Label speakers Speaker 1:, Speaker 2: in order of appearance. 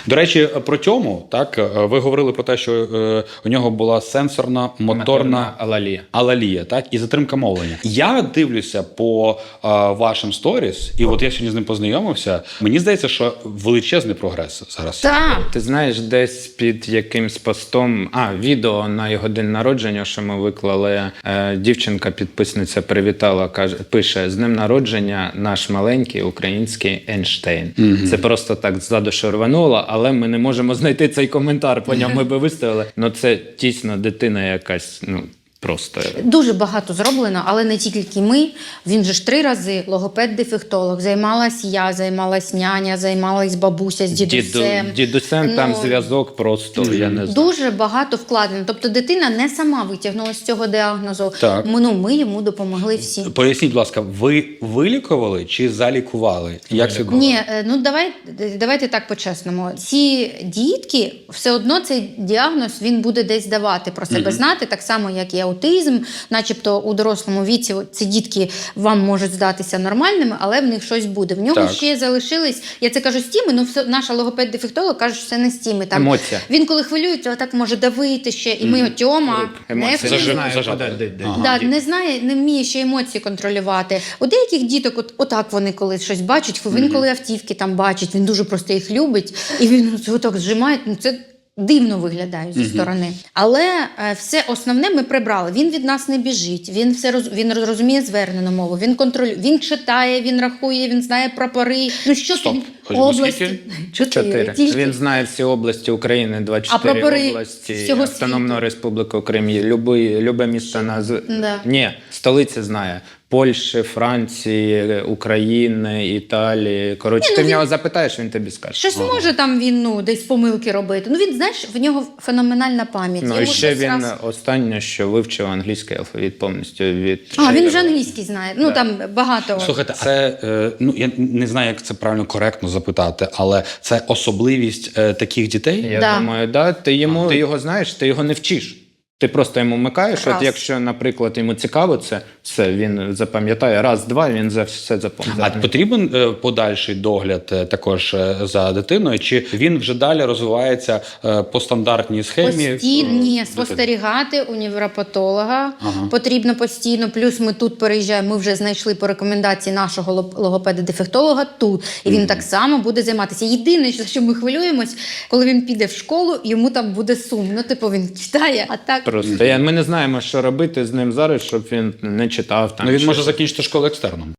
Speaker 1: До речі, про Тьому, так, ви говорили про те, що у нього була сенсорна моторна алалія, так, і затримка мовлення. Я дивлюся по вашим сторіс, і от я сьогодні з ним познайомився, мені здається, що величезний прогрес зараз.
Speaker 2: Так.
Speaker 3: Ти знаєш, десь під якимсь постом, відео на його день народження, що ми виклали, дівчинка-підписниця привітала, каже, пише: "З днем народження наш маленький український Ейнштейн". Це просто так ззаду рвануло, але ми не можемо знайти цей коментар, по ньому ми би виставили. Ну це дійсно дитина якась, просто.
Speaker 2: Дуже багато зроблено, але не тільки ми. Він же ж 3 рази логопед-дефектолог. Займалась я, займалась няня, займалась бабуся з дідусем.
Speaker 3: Дідусем там зв'язок просто, я не знаю.
Speaker 2: Дуже багато вкладено. Тобто дитина не сама витягнула з цього діагнозу.
Speaker 1: Так.
Speaker 2: Ми йому допомогли всі.
Speaker 1: Поясніть, будь ласка, ви вилікували чи залікували? Як це було?
Speaker 2: Ні, давайте так по-чесному. Ці дітки, все одно цей діагноз він буде десь давати про себе знати, так само, як і аутизм, начебто у дорослому віці ці дітки вам можуть здатися нормальними, але в них щось буде. В нього ще залишились, я це кажу стіми, наша логопед-дефектолог каже, що це не стіми. Там,
Speaker 3: емоція.
Speaker 2: Він коли хвилюється, отак може давити ще, і ми Тьома не не знає, не вміє ще емоції контролювати. У деяких діток, отак вони коли щось бачать, він коли автівки там бачить, він дуже просто їх любить, і він отак зжимає, це дивно виглядає зі сторони. Але все основне ми прибрали. Він від нас не біжить, він розуміє звернену мову, він контролює, він читає, він рахує, він знає прапори. Області.
Speaker 3: 4. Він знає всі області України, 24 області, Автономна Республіка Крим, любе місто Ні, столиці знає. Польщі, Франції, України, Італії. Коротше, ти в нього запитаєш, він тобі скаже.
Speaker 2: Щось може там він десь помилки робити. Він, знаєш, в нього феноменальна пам'ять.
Speaker 3: І ще він останнє, що вивчив англійський алфавіт повністю від...
Speaker 2: він вже англійський знає. Там багато...
Speaker 1: Слухайте, це, я не знаю, як це правильно, коректно запитати, але це особливість таких дітей?
Speaker 3: Я думаю, да. Ти його знаєш, ти його не вчиш. Ти просто йому вмикаєш, от якщо, наприклад, йому цікаво це, все, він запам'ятає, раз-два, він за все запам'ятає.
Speaker 1: А потрібен подальший догляд також за дитиною, чи він вже далі розвивається по стандартній схемі?
Speaker 2: Постійно, спостерігати у невропатолога потрібно постійно, плюс ми тут переїжджаємо, ми вже знайшли по рекомендації нашого логопеда-дефектолога тут, і він так само буде займатися. Єдине, що ми хвилюємось, коли він піде в школу, йому там буде сумно, він читає, а так...
Speaker 3: Просто ми не знаємо, що робити з ним зараз, щоб він не читав. Там,
Speaker 1: він може закінчити школу екстерном.